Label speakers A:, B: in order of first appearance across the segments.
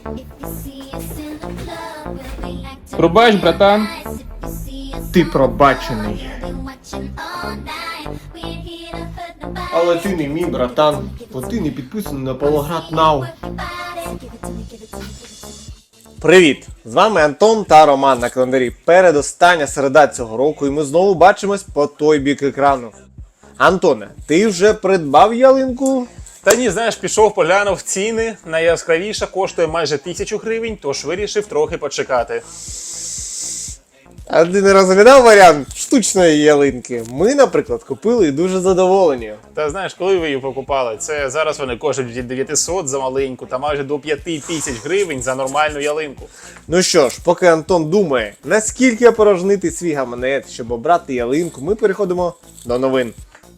A: Пробач, братан.
B: Ти пробачений. Але ти не мій братан, бо ти не підписаний на Павлоград Now. Привіт! З вами Антон та Роман на календарі. Передостання середа цього року і ми знову бачимось по той бік екрану. Антоне, ти вже придбав ялинку?
C: Та ні, знаєш, пішов, поглянув ціни, найяскравіша коштує майже 1000 гривень, тож вирішив трохи почекати.
B: А ти не розглядав варіант штучної ялинки? Ми, наприклад, купили і дуже задоволені.
C: Та знаєш, коли ви її покупали? Це зараз вони коштують від 900 за маленьку та майже до 5000 гривень за нормальну ялинку.
B: Ну що ж, поки Антон думає, наскільки опорожнити свій гаманець, щоб обрати ялинку, ми переходимо до новин.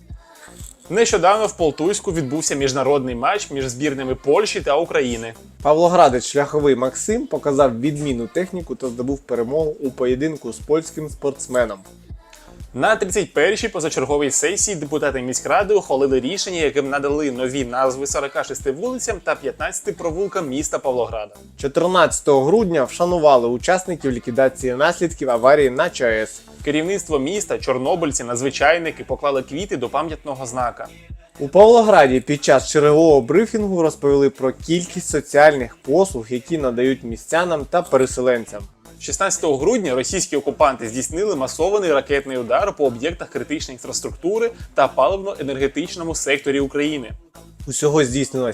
C: Нещодавно в Полтуйську відбувся міжнародний матч між збірними Польщі та України.
B: Павлоградець шляховий Максим показав відмінну техніку та здобув перемогу у поєдинку з польським спортсменом.
C: На 31-й позачерговій сесії депутати міськради ухвалили рішення, яким надали нові назви 46 вулицям та 15 провулкам міста Павлограда.
B: 14 грудня вшанували учасників ліквідації наслідків аварії на ЧАЕС.
C: Керівництво міста, чорнобильці, надзвичайники поклали квіти до пам'ятного знака.
B: У Павлограді під час чергового брифінгу розповіли про кількість соціальних послуг, які надають містянам та переселенцям.
C: 16 грудня російські окупанти здійснили масований ракетний удар по об'єктах критичної інфраструктури та паливно-енергетичному секторі України.
B: Усього здійснено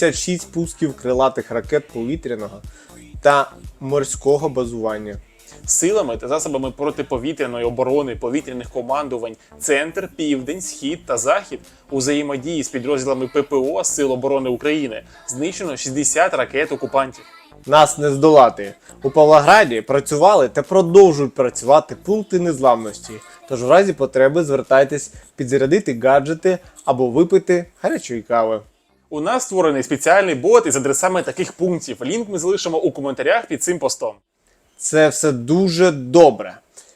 B: 76 пусків крилатих ракет повітряного та морського базування.
C: Силами та засобами протиповітряної оборони повітряних командувань Центр, Південь, Схід та Захід у взаємодії з підрозділами ППО Сил оборони України знищено 60 ракет окупантів.
B: Нас не здолати. У Павлограді працювали та продовжують працювати пункти незламності. Тож в разі потреби звертайтесь підзарядити гаджети або випити гарячої кави.
C: У нас створений спеціальний бот із адресами таких пунктів. Лінк ми залишимо у коментарях під цим постом.
B: Це все дуже добре.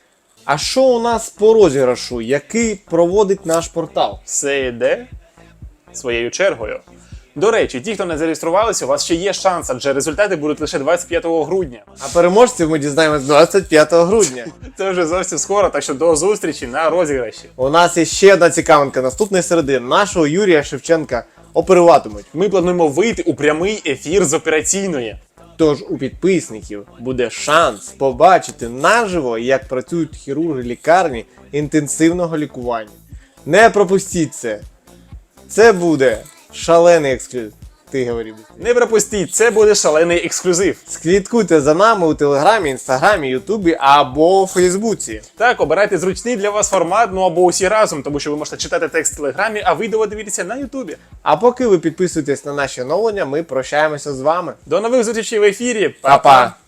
B: А що у нас по розіграшу, який проводить наш портал?
C: Все йде своєю чергою. До речі, ті, хто не зареєструвалися, у вас ще є шанс, адже результати будуть лише 25 грудня.
B: А переможців ми дізнаємось 25 грудня.
C: Це вже зовсім скоро, так що до зустрічі на розіграші.
B: У нас є ще одна цікавинка. Наступної середи нашого Юрія Шевченка оперуватимуть.
C: Ми плануємо вийти у прямий ефір з операційної.
B: Тож у підписників буде шанс побачити наживо, як працюють хірурги лікарні інтенсивного лікування. Не пропустіть це. Це буде шалений ексклюзив. Ти говори.
C: Не пропустіть, це буде шалений ексклюзив.
B: Слідкуйте за нами у Телеграмі, Інстаграмі, Ютубі або у Фейсбуці.
C: Так, обирайте зручний для вас формат, ну або усі разом, тому що ви можете читати текст в Телеграмі, а відео дивитися на Ютубі.
B: А поки ви підписуєтесь на наші оновлення, ми прощаємося з вами.
C: До нових зустрічей в ефірі.
B: Па-па!